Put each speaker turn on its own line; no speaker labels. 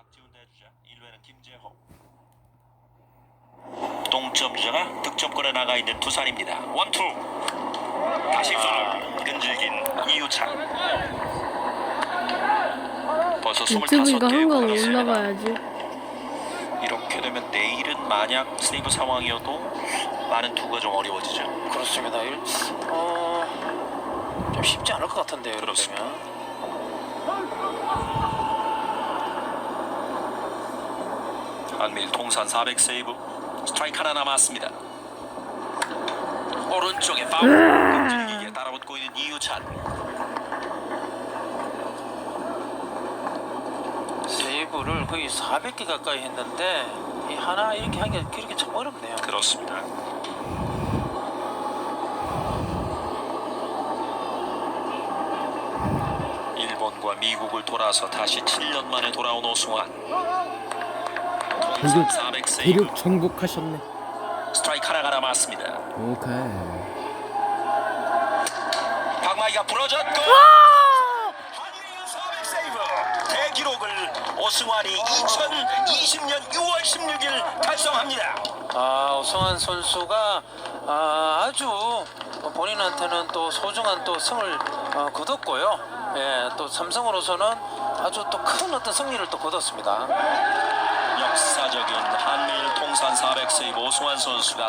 박지훈 대주자 1회는 김재호. 동점 주자가 득점권에 나가 있는 두산입니다. 원투. 다시 손을 끈질긴 이유찬. 벌써
유튜브 이거
25개
한거
공격수입니다.
올라가야지.
이렇게 되면 내일은 만약 세이브 상황이어도 많은 투가 좀 어려워지죠.
그렇습니다. 좀 쉽지 않을 것 같은데요. 이렇게
그렇습니다.
되면.
한밀 통산 400 세이브. 스트라이크 하나 남았습니다. 오른쪽에 파울. 끈질기게 따라붙고 있는 이유찬.
세이브를 거의 400개 가까이 했는데 이 하나 이렇게 하기가 그렇게 참 어렵네요.
그렇습니다. 일본과 미국을 돌아서 다시 7년 만에 돌아온 오승환. 통산 400 세이브.
대륙 정복하셨네.
스트라이크 하나가 남았습니다.
오케이.
박마이가 부러졌고 한일의 400 세이브 대기록을 오승환이 2020년 6월 16일 달성합니다.
오승환 선수가 아주 본인한테는 또 소중한 또 승을 거뒀고요. 예, 또 삼성으로서는 아주 또 큰 어떤 승리를 또 거뒀습니다.
역사적인 한일 통산 400 세이브 오승환 선수가